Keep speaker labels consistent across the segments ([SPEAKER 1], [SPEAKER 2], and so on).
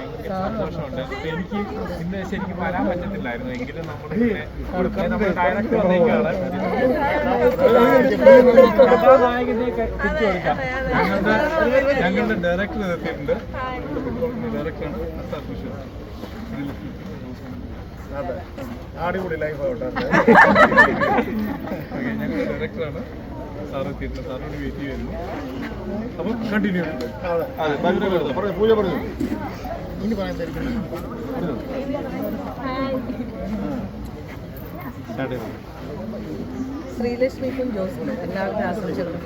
[SPEAKER 1] ഭയങ്കര സന്തോഷമുണ്ട്. എനിക്ക് ഇന്ന് ശരിക്കും വരാൻ പറ്റത്തില്ലായിരുന്നു, എങ്കിലും നമ്മുടെ ഡയറക്ടർ വന്നേക്കാണ് കഥാനായകനെ തിരിച്ചു കൊടുക്കാം. ഞങ്ങളുടെ ഡയറക്ടർ എത്തിയിട്ടുണ്ട്. ഡയറക്ടറാണ്
[SPEAKER 2] അടിപൊളി ലൈഫ് ആവട്ടെ.
[SPEAKER 1] ഞങ്ങളുടെ ഡയറക്ടറാണ് സാർ എത്തിയിട്ടുണ്ട്. സാറിനോട് വെയിറ്റ് ചെയ്യുന്നു. അപ്പം കണ്ടിന്യൂ
[SPEAKER 2] പൂജ പറഞ്ഞു ഇനി പറയാൻ
[SPEAKER 3] ശ്രീലക്ഷ്മിക്കും ജോസിനും എല്ലാവരുടെ ആശംസകളും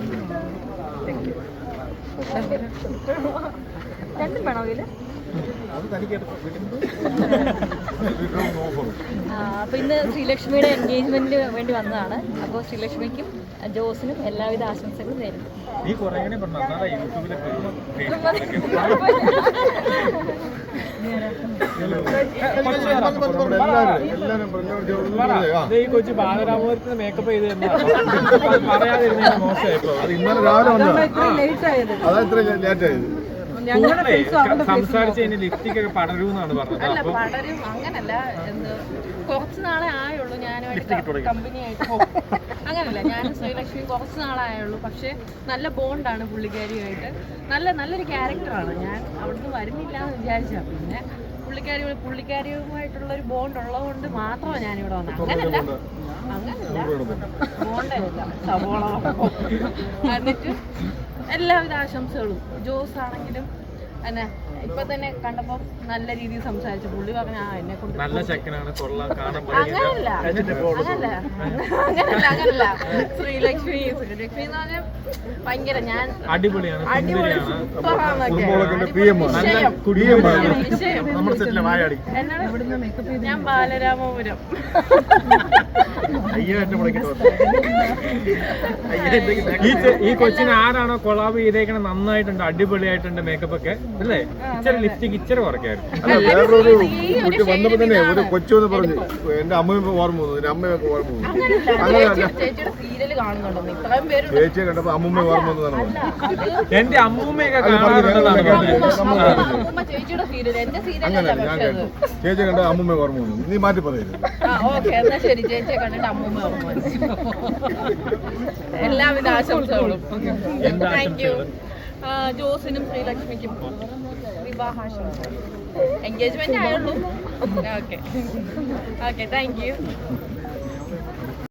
[SPEAKER 3] രണ്ടും വേണോ ഇതില്? അപ്പോൾ ഇന്ന് ശ്രീലക്ഷ്മിയുടെ എൻഗേജ്മെന്റിന് വേണ്ടി വന്നതാണ്. അപ്പോൾ ശ്രീലക്ഷ്മിക്കും ജോസിനും എല്ലാവിധ ആശംസകളും നേരുന്നു.
[SPEAKER 1] ഈ കൊച്ചു ബാലരാമപുരത്തിന് മേക്കപ്പ് ചെയ്ത് പറയാതിരുന്ന മോശമായിപ്പോ.
[SPEAKER 2] അത് ഇന്നലെ രാവിലെ വന്നതാണ്. അതാ ഇത്ര ലേറ്റ് ആയത്.
[SPEAKER 1] സംസാരിച്ച് കഴിഞ്ഞാൽ ലിപ്സ്റ്റിക് ഒക്കെ പടരുമെന്നാണ് പറഞ്ഞത്.
[SPEAKER 3] അല്ല പടരും അങ്ങനല്ല, കുറച്ച് നാളെ ആയുള്ളൂ ഞാനുമായിട്ട് കമ്പനിയായിട്ട്. അങ്ങനല്ല, ഞാനും ശ്രീലക്ഷ്മി കുറച്ച് നാളായുള്ളൂ. പക്ഷെ നല്ല ബോണ്ടാണ് പുള്ളിക്കാരിയുമായിട്ട്. നല്ലൊരു ക്യാരക്ടറാണ്. ഞാൻ അവിടുന്ന് വരുന്നില്ല എന്ന് വിചാരിച്ചാ. പിന്നെ പുള്ളിക്കാരിയുമായിട്ടുള്ളൊരു ബോണ്ട് ഉള്ളതുകൊണ്ട് മാത്രമാണ് ഞാനിവിടെ വന്നത്. അങ്ങനല്ല ബോണ്ടല്ല, സവോള. എന്നിട്ട് എല്ലാവിധ ആശംസകളും. ജോസ് ആണെങ്കിലും എന്നെ ഇപ്പൊ തന്നെ കണ്ടപ്പോ നല്ല രീതിയിൽ സംസാരിച്ചു. പുള്ളി പറഞ്ഞ എന്നെ കൊണ്ട്
[SPEAKER 1] നല്ല ചെക്കനാണ്,
[SPEAKER 3] അങ്ങനല്ല. ശ്രീലക്ഷ്മി എന്ന് പറഞ്ഞാൽ ഭയങ്കര ഞാൻ അടിപൊളി ഞാൻ ബാലരാമപുരം.
[SPEAKER 1] ഈ കൊച്ചിന് ആരാണോ കൊളാബ് ചെയ്തേക്കണ നന്നായിട്ടുണ്ട്, അടിപൊളിയായിട്ടുണ്ട് മേക്കപ്പ് ഒക്കെ അല്ലേ? ഇച്ചിരി ലിപ്സ്റ്റിക് ഇച്ചിരി കുറയ്ക്കായിരുന്നു.
[SPEAKER 2] വേറൊരു കുട്ടി വന്നപ്പോ തന്നെ ഒരു കൊച്ചു എന്ന് പറഞ്ഞു എന്റെ അമ്മയും ഓർമ്മ വന്നു, എന്റെ അമ്മയൊക്കെ ഓർമ്മ വന്നു. ചേച്ചിയെ കണ്ടപ്പോ അമ്മൂമ്മ ഓർമ്മ വന്നതാണ്.
[SPEAKER 1] എന്റെ അമ്മൂമ്മയൊക്കെ കാണാറുണ്ടെന്നാണ്
[SPEAKER 2] അങ്ങനെ ഞാൻ കേട്ടു. ചേച്ചിയെ കണ്ട അമ്മൂമ്മ ഓർമ്മ വന്നു. നീ മാറ്റി പറയരുത്.
[SPEAKER 3] എല്ലാവിധ ആശംസകളും. Thank you. ജോസിനും ശ്രീലക്ഷ്മിക്കും വിവാഹാശംസകൾ. എൻഗേജ്മെന്റ് ആയുള്ളൂ. Okay thank U.